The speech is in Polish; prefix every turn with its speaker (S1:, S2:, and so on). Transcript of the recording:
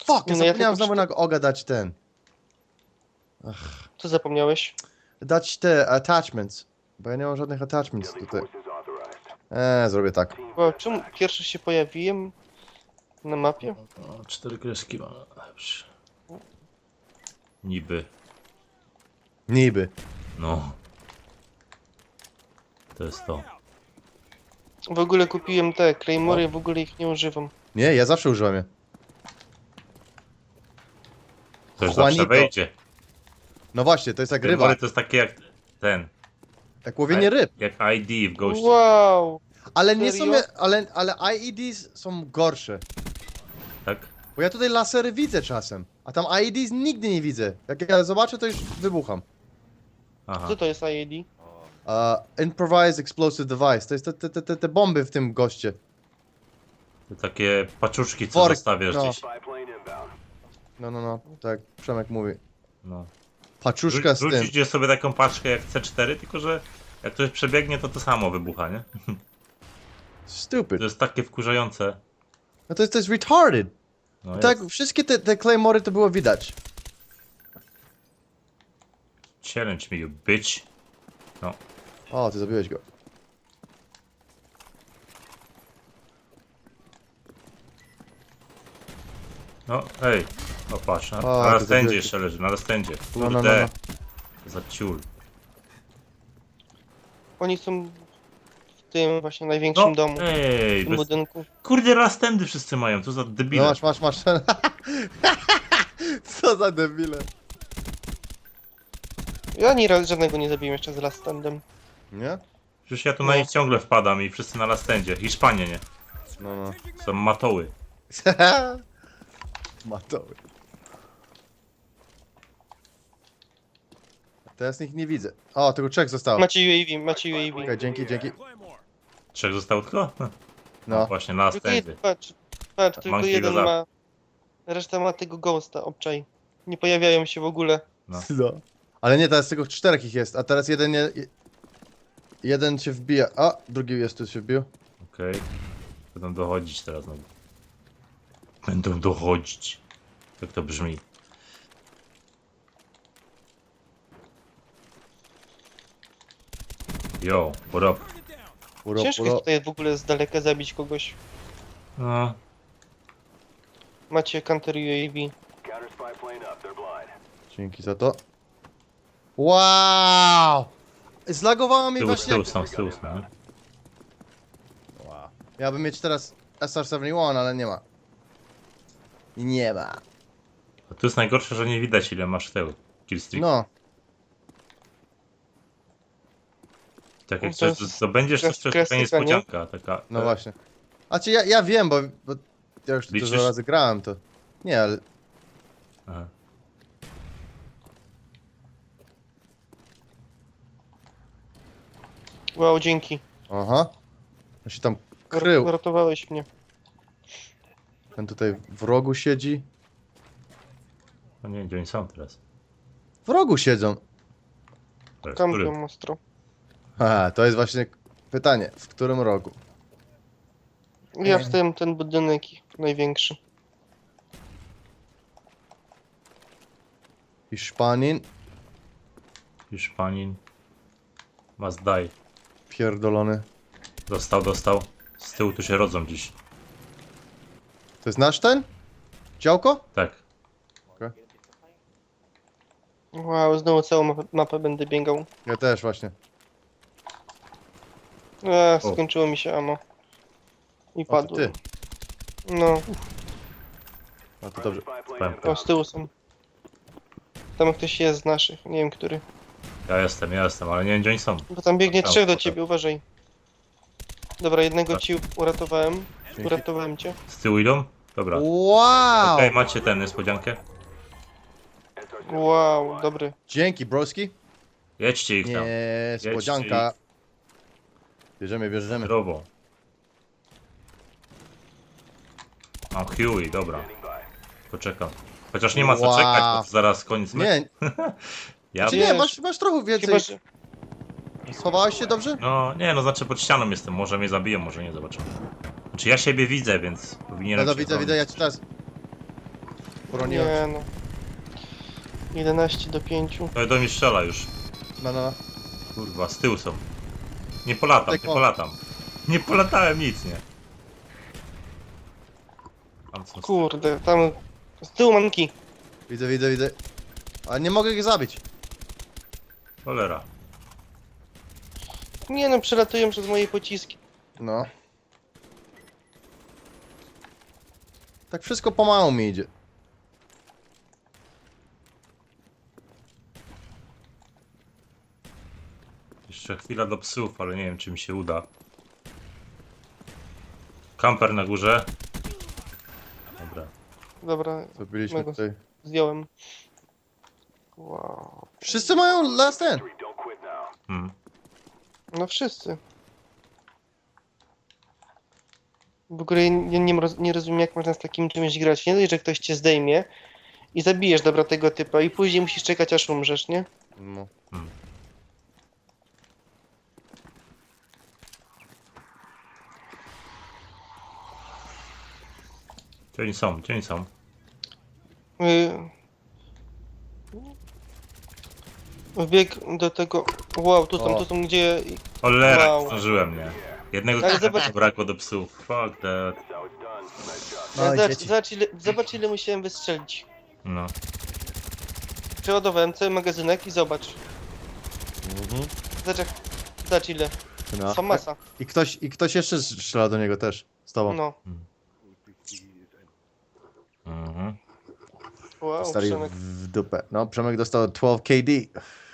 S1: Fuck, ja
S2: No ja
S1: zapomniałem
S2: tylko
S1: znowu na Oga dać ten.
S2: Co zapomniałeś?
S1: Dać te attachments. Bo ja nie mam żadnych attachments tutaj. Zrobię tak.
S2: Wow, czemu pierwszy się pojawiłem na mapie?
S3: O, 4 kreski ma. Dobrze. Niby.
S1: Niby.
S3: No. To jest to.
S2: W ogóle kupiłem te Claymory, w ogóle ich nie używam.
S1: Nie, ja zawsze używam je.
S3: Ktoś
S1: Juanito.
S3: zawsze wejdzie.
S1: No właśnie, to jest jak ryba.
S3: Ryba. To jest takie jak ten.
S1: Jak łowienie ryb.
S3: Jak ID w Ghoście.
S2: Wow!
S1: Ale nie są...
S2: Serio?
S1: Ale IEDs są gorsze.
S3: Tak?
S1: Bo ja tutaj lasery widzę czasem. A tam IEDs nigdy nie widzę. Jak ja zobaczę, to już wybucham.
S3: Aha.
S2: Co to jest IED?
S1: Improvised Explosive Device. To jest te bomby w tym goście.
S3: To takie paczuszki, co
S1: Worek,
S3: zostawiasz
S1: no.
S3: gdzieś.
S1: No. Tak Przemek mówi.
S3: No.
S1: Paczuszka z tym.
S3: Rzucicie sobie taką paczkę jak C4, tylko że jak ktoś przebiegnie, to samo wybucha, nie?
S1: Stupid.
S3: To jest takie wkurzające.
S1: No to jest retarded.
S3: No
S1: Tak,
S3: jest.
S1: wszystkie te Claymory to było widać.
S3: Challenge me, you bitch. No.
S1: O, ty zabiłeś go.
S3: No, hej. O, patrz. Na
S1: O,
S3: na
S1: to
S3: stędzie
S1: zabiłeś.
S3: jeszcze leży, na stędzie.
S1: No.
S3: Kurde. Za ciul.
S2: Oni są w tym właśnie największym
S3: No,
S2: domu, w
S3: ej,
S2: tym
S3: bez...
S2: budynku.
S3: Kurde, rastendy wszyscy mają, co za debile.
S1: No masz. Co za debile.
S2: Ja ani raz żadnego nie zabiłem jeszcze z Last Standem.
S1: Nie?
S3: Przecież ja tu na
S2: No.
S3: nich ciągle wpadam i wszyscy na lastendzie. Hiszpanie, nie?
S1: No.
S3: Są matoły.
S1: Matoły. Teraz nikt nie widzę. O, tylko trzech zostało.
S2: Macie UAV.
S1: Okej, dzięki.
S3: Trzech zostało tylko?
S1: No.
S3: Właśnie, na
S2: Tylko
S3: lastendzie.
S2: jeden, patrz, tylko
S3: Monkey
S2: jeden
S3: goes up.
S2: ma... Reszta ma tego ghosta, obczaj. Nie pojawiają się w ogóle.
S3: No.
S1: No. Ale nie, teraz tylko czterech ich jest, a teraz jeden nie... Jeden się wbija. A, drugi jest tu się wbił.
S3: Okej. Będą dochodzić teraz znowu. Będą dochodzić. Jak to brzmi? Yo, what up?
S2: Ciężko jest tutaj w ogóle z daleka zabić kogoś.
S3: No,
S2: Macie counter UAV.
S1: Dzięki za to. Wow! Zlagowało mi
S3: z
S1: właśnie...
S3: tyłu są, nie?
S1: Wow. Ja bym mieć teraz SR-71, ale nie ma. Nie ma.
S3: A tu jest najgorsze, że nie widać ile masz tył. Killstreak.
S1: No.
S3: Tak jak
S2: To
S3: coś
S2: jest
S3: zdobędziesz, to jest taka
S2: klasyka, nie?
S3: niespodzianka. Taka,
S1: No właśnie. A czy ja wiem, bo ja już tu
S3: Liczysz?
S1: dużo razy grałem, to... Nie, ale...
S3: Aha.
S2: Wow, dzięki.
S1: Aha. On się tam krył.
S2: Ratowałeś mnie.
S1: Ten tutaj w rogu siedzi.
S3: No nie wiem, gdzie oni są teraz.
S1: W rogu siedzą.
S3: To jest
S2: Kampion
S3: który?
S2: ostro.
S1: Aha, to jest właśnie pytanie. W którym rogu?
S2: Ja wstałem ten budynek największy.
S1: Hiszpanin.
S3: Hiszpanin. Must die.
S1: Pierdolony.
S3: Dostał. Z tyłu tu się rodzą dziś.
S1: To jest nasz ten? Działko?
S3: Tak.
S2: Wow, znowu całą mapę będę biegał.
S1: Ja też właśnie.
S3: O.
S2: Skończyło mi się ammo. I
S1: O, to
S2: padło.
S1: ty.
S2: No,
S1: A to dobrze.
S3: Pępka.
S2: o z tyłu są. Tam ktoś jest z naszych, nie wiem który.
S3: Ja jestem, ale nie wiem gdzie oni są.
S2: Bo tam biegnie
S3: Tam,
S2: trzech do
S3: tam.
S2: ciebie, uważaj. Dobra, jednego
S3: Tak.
S2: ci uratowałem.
S1: Dzięki.
S2: Uratowałem cię.
S3: Z tyłu idą? Dobra.
S1: Wow!
S3: Okej, macie ten niespodziankę.
S2: Wow, dobry.
S1: Dzięki, broski.
S3: Jedźcie ich tam.
S1: Niespodzianka. Bierzemy.
S3: Zdrowo. Mam Huey, dobra. Poczekam. Chociaż nie ma co
S1: Wow.
S3: czekać, bo to zaraz koniec meczu.
S1: Nie,
S3: Ja
S1: czy
S2: Wiesz.
S1: nie, masz trochę więcej.
S2: Chyba, że...
S1: Schowałeś się dobrze?
S3: No nie, no znaczy pod ścianą jestem, może mnie zabiją, może nie, zobaczymy. Znaczy ja siebie widzę, więc powinienem
S1: No
S3: się
S1: widzę,
S3: bronić.
S1: ja ci teraz... Broniłem
S2: Nie
S1: się.
S2: no. 11 do 5.
S3: To do mnie strzela już.
S1: No.
S3: Kurwa, z tyłu są. Nie polatam, nie
S1: Tylko.
S3: polatam. Nie polatałem nic, nie. Tam są
S2: Kurde, tam z tyłu manki.
S1: Widzę. A nie mogę ich zabić.
S3: cholera.
S2: Nie no, przelatują przez moje pociski.
S1: No. Tak wszystko pomału mi idzie.
S3: Jeszcze chwila do psów, ale nie wiem czy mi się uda. Kamper na górze. Dobra.
S2: Dobra,
S1: Zrobiliśmy
S2: Mego.
S1: tutaj.
S2: zdjąłem. Wow.
S1: Wszyscy mają last end.
S3: Hmm.
S2: No wszyscy. W ogóle ja nie rozumiem, jak można z takim czymś grać. Nie dość, że ktoś cię zdejmie i zabijesz dobra tego typa i później musisz czekać aż umrzesz, nie?
S1: No.
S3: Gdzie oni są? Gdzie oni są?
S2: Y... Wbieg do tego... Wow, tu
S1: O.
S2: są gdzie...
S3: Cholera,
S2: Wow.
S3: zdążyłem, nie? Jednego
S2: Ale
S3: typa
S2: zobacz-
S3: brakło do psów. Fuck that.
S1: No, dzieci.
S2: Zobacz ile musiałem wystrzelić.
S3: No.
S2: Przeładowałem cały magazynek i zobacz. Zobacz ile.
S1: No.
S2: Są masa.
S1: I ktoś jeszcze strzela do niego też. Z tobą.
S2: No.
S3: Mhm.
S2: Wow,
S1: Stali
S2: Przemek.
S1: w dupę. No, Przemek dostał 12 KD.